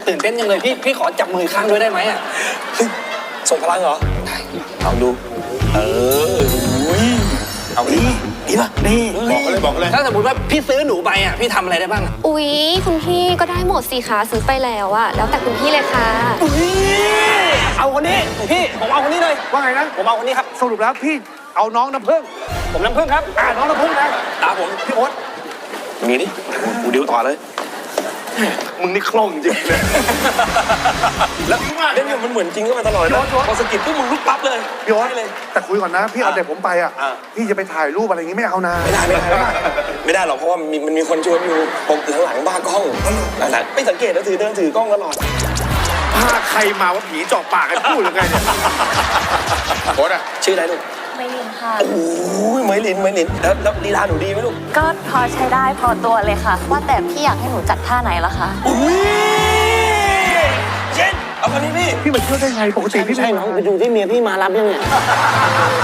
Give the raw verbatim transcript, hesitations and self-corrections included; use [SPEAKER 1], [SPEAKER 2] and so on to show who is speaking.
[SPEAKER 1] ตื่นเต้นยังเลยพี่พี่ขอจับมือข้างด้วยได้ไหมอ่ะ
[SPEAKER 2] ส่งพลังเหรอได้ลองดูเออเอาดีดีป่ะดีบอกกันเลยบอกกันเลย
[SPEAKER 1] ถ้าสมมติว่าพี่ซื้อหนูไปอ่ะพี่ทำอะไรได้บ้าง
[SPEAKER 3] อุ๊ยคุณพี่ก็ได้หมดสิคะซื้อไปแล้วอะแล้วแต่คุณพี่เลยค่ะ
[SPEAKER 1] อุ๊ยเอาคนนี้พี่ผมเอาคนนี้เลย
[SPEAKER 4] ว่าไงนะ
[SPEAKER 1] ผมเอาคนนี้ครับ
[SPEAKER 4] สรุปแล้วพี่เอาน้องน้ำผึ้ง
[SPEAKER 1] ผมน้ำผึ้งครับ
[SPEAKER 4] อ่าน้องน้ำผึ้งนะ
[SPEAKER 1] ตาผม
[SPEAKER 4] พี่โอ๊ต
[SPEAKER 2] มีดิกูดิ้วต่อเลย
[SPEAKER 4] มึงนี่คล่องจริงเลย
[SPEAKER 2] แล้วเล่นเนี่ยมันเหมือนจริงก็มาตลอดนะพอสกิดปุ๊บมึงลุกปั๊บเลย
[SPEAKER 4] พี่โอ๊ตเลยแต่คุยก่อนนะพี่เอาเด็กผมไปอ่ะพี่จะไปถ่ายรูปอะไรอย่างงี้ไม่เอานะ
[SPEAKER 2] ไม่ได้ไม่ได้ไม่ได้หรอกเพราะว่ามันมีคนชวนอยู่ผมหลังๆบ้ากล้องหลังๆไม่สังเกตแล้วถือเดินถือกล้องตลอด
[SPEAKER 4] พาใครมาว่าผีเจาะปากกันพูดหรือไงเนี่ยโอ๊ตอะ
[SPEAKER 2] ชื่ออะไรลูก
[SPEAKER 3] ไม่ลินค่ะ
[SPEAKER 2] โอ้ยไม่ลินไม่ลินแล้วแล้วลีลาหนูดีไหมลูก
[SPEAKER 3] ก็พอใช้ได้พอตัวเลยค่ะว่าแต่พี่อยากให้หนูจัดท่าไหนล่ะคะ
[SPEAKER 2] อุ้ยเจนเอาคนนี้พี่
[SPEAKER 4] พี่มาเชื่อได้ไงปกติพี่
[SPEAKER 1] ใช่น้องไปดูที่เมียพี่มารับยังเนี่ย